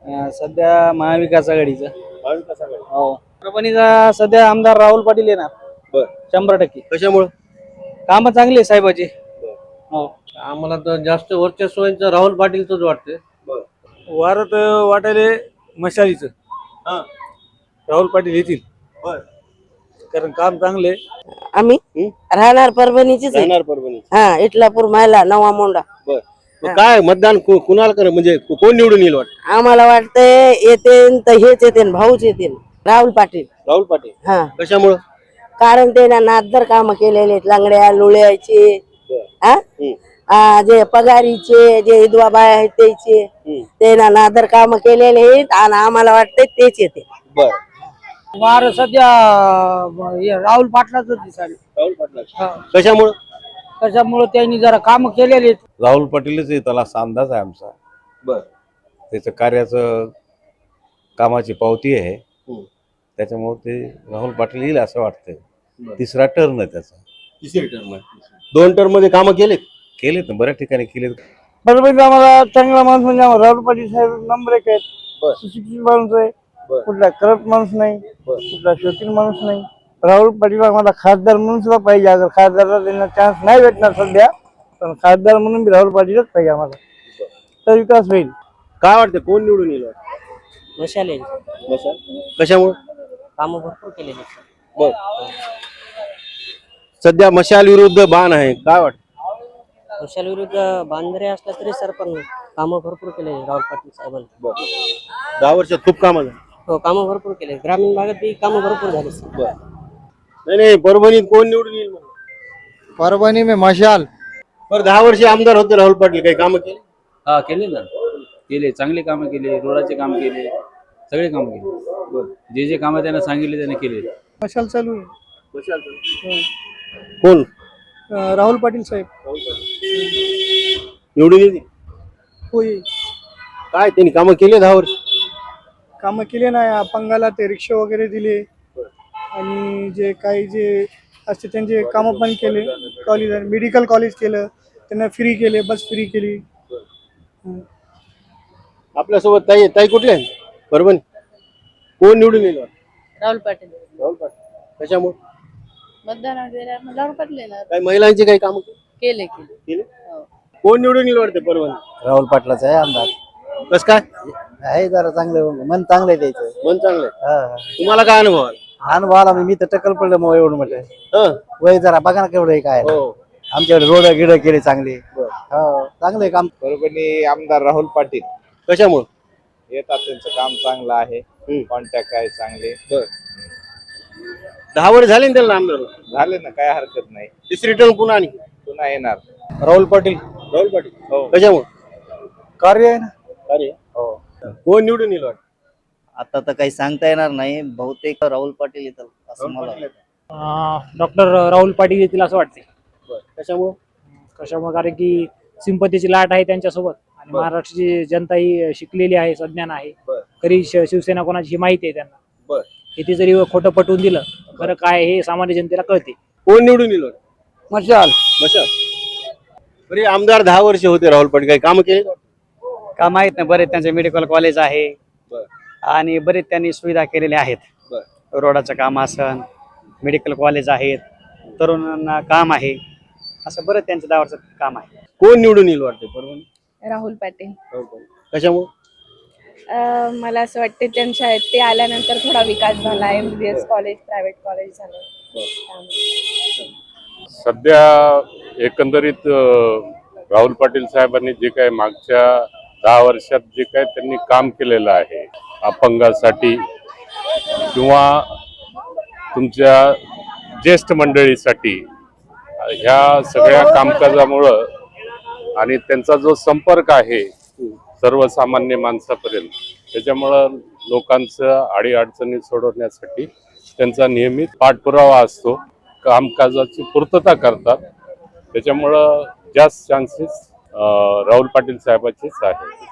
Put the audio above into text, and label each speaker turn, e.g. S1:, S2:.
S1: सध्या महाविकास आघाडीचं.
S2: महाविकास आघाडी.
S1: हो, परभणीचा सध्या आमदार राहुल पाटील येणार
S2: बर
S1: 100%.
S2: कशामुळे?
S1: कामं चांगली आहे साहेबाची. हो,
S3: आम्हाला तर जास्त वर्चस्वांचं राहुल पाटीलच वाटतं.
S1: वारत वाटायले मशालीचं
S2: हा
S1: राहुल पाटील येतील,
S2: बर
S1: कारण काम चांगले.
S4: आम्ही राहणार परभणीचीच आहे.
S2: जाणार परभणी.
S4: हा इटलापूर मायला नवा मोंडा.
S2: बर मग काय मतदान कुणाला कर म्हणजे कोण निवडून येईल वाटत?
S4: आम्हाला वाटतंय येते तर हेच येते भाऊच येते राहुल पाटील.
S2: राहुल पाटील.
S4: हा
S2: कशामुळं?
S4: कारण ते ना नादर काम केलेले आहेत, लंगड्या लुळ्याचे, हा जे पगारीचे जे विधवा बाया आहेत त्याचे, ते ना नादर काम केलेले आहेत आणि आम्हाला वाटतंय तेच येते.
S2: बर
S1: वार सध्या राहुल पाटलाच दिसाले.
S2: राहुल पाटील. कशामुळं?
S1: त्याच्यामुळे त्यांनी जरा काम केलेले आहेत.
S5: राहुल पाटीलच येतील असा अंदाज आहे आमचा.
S2: बर
S5: त्याचं कार्याचं कामाची पावती आहे, त्याच्यामुळे ते राहुल पाटील येईल असं वाटतंय. तिसरा टर्न आहे त्याचा.
S2: तिसरी टर्म आहे. 2 टर्म मध्ये कामं केलेत
S5: ना बऱ्याच ठिकाणी केलेत.
S1: परभणीचा आम्हाला चांगला माणूस म्हणजे राहुल पाटील साहेब नंबर 1 आहेत.
S2: बर.
S1: सुशिक्षित माणूस आहे,
S2: बर.
S1: कुठला करप्ट माणूस नाही,
S2: बर.
S1: कुठला शोकीन माणूस नाही. राहुल पाटील आम्हाला खासदार म्हणून सुद्धा पाहिजे. अगर खासदारला त्यांना चान्स नाही भेटणार सध्या, पण खासदार म्हणून बी राहुल पाटीलच पाहिजे आम्हाला, तर विकास होईल.
S2: काय वाटतं कोण निवडून येईल वाटतं?
S4: मशाले
S2: कशामुळं?
S4: काम भरपूर केलेले.
S2: बर सध्या मशाल विरुद्ध बाण आहे, काय वाटतं?
S4: मशाल विरुद्ध बांधरे असला तरी सर पण काम भरपूर केले राहुल पाटील साहेबांनी.
S2: बर 10 वर्षात खूप कामं झाली.
S4: हो काम भरपूर केले, ग्रामीण भागात बी काम भरपूर झाले.
S2: बर नाही परभणीत कोण निवडून येईल?
S1: परभणी में मशाल.
S2: बरं 10 वर्ष आमदार होते राहुल पाटील, काही कामं केली?
S6: हा केले ना, केले चांगले कामं केले, रोडाचे काम केले, सगळे काम केले. जे कामं त्यांना सांगितले त्याने केले.
S1: मशाल चालू आहे.
S2: कोण?
S1: राहुल पाटील साहेब
S2: निवडून येतील?
S1: होय,
S2: काय त्यांनी कामं केली 10 वर्ष?
S1: कामं केले नाही. अपंगाला ते रिक्षा वगैरे दिले आणि जे काही जे असते त्यांचे कामं पण केले. कॉलेज मेडिकल कॉलेज केलं त्यांना, फ्री केले, बस फ्री केली.
S2: आपल्यासोबत ताई ताई कुठले आहे? परभणी. कोण निवडून येईल?
S7: राहुल पाटील.
S2: राहुल पाटील. कशामुळे?
S7: मतदान राहुल पाटील येणार.
S2: काही महिलांची काही कामं
S7: केले
S2: केले? कोण निवडून येईल वाटते परभणी?
S1: राहुल पाटलाच आहे आमदार.
S2: कस काय?
S1: आहे जरा चांगलं मन, चांगलं आहे त्याचं.
S2: मन चांगलं आहे. तुम्हाला काय अनुभव आला?
S1: अनुभव आला मी तर टक्कल पडलं मग एवढं म्हटलं.
S2: हं.
S1: वय जरा बघा ना केवढं आहे काय.
S2: हो
S1: आमच्याकडे रोड गिड केले चांगले. हो चांगलं आहे काम.
S8: परभणी आमदार राहुल पाटील
S2: कशामुळे
S8: येतात, त्यांचं काम चांगलं आहे, कॉन्टॅक्ट आहे चांगले.
S2: 10 वर्ष झाले ना त्याला आमदार होऊन?
S8: झाले ना, काय हरकत नाही,
S2: तिसरी टर्म पुन्हा आणि
S8: पुन्हा येणार.
S1: राहुल पाटील.
S2: राहुल पाटील.
S8: हो.
S2: कशामुळे?
S1: कार्य आहे ना.
S2: अरे कोण निवडून येईल वाटतं?
S9: आता तर काही सांगता येणार नाही, बहुतेक राहुल पाटील येतात असं मला वाटतं.
S10: डॉक्टर राहुल पाटील येतील असं वाटते.
S2: कशामुळे?
S10: कशामुळे? कारण की सिंपतीची लाट आहे त्यांच्यासोबत आणि महाराष्ट्राची जनता ही शिकलेली आहे, सज्ञान आहे. खरी शिवसेना कोणाची ही माहिती आहे त्यांना. किती जरी खोटं पटवून दिलं, खरं काय हे सामान्य जनतेला कळते.
S2: कोण निवडून येईल?
S1: मशाल.
S2: मशाल. बरे आमदार 10 वर्ष होते राहुल पाटील, काही काम केले?
S1: काम आहेत ना बरेच. त्यांचे मेडिकल कॉलेज आहे आणि बरेच त्यांनी सुविधा केलेल्या आहेत. रोडाचं काम असन, मेडिकल कॉलेज आहेत, तरुणांना काम आहे, असं बरं त्यांचं 10 वर्षात काम आहे.
S2: कोण निवडून येईल वाटते परभणी?
S7: राहुल पाटील.
S2: कशामुळे?
S7: मला असं वाटतं त्यांच्या ते आल्यानंतर थोडा विकास झाला. MBBS कॉलेज, प्रायव्हेट कॉलेज झालं.
S11: सध्या एकंदरीत राहुल पाटील साहेबांनी जे काही मागच्या 10 वर्षात जे काही त्यांनी काम केलेलं आहे अपंगासाठी किंवा तुमच्या ज्येष्ठ मंडळीसाठी, ह्या सगळ्या कामकाजामुळं आणि त्यांचा जो संपर्क आहे सर्वसामान्य माणसापर्यंत, त्याच्यामुळं लोकांचं अडीअडचणी सोडवण्यासाठी त्यांचा नियमित पाठपुरावा असतो, कामकाजाची पूर्तता करतात. त्याच्यामुळं जास्त चान्सेस राहुल पाटील साहेबाचेच आहे.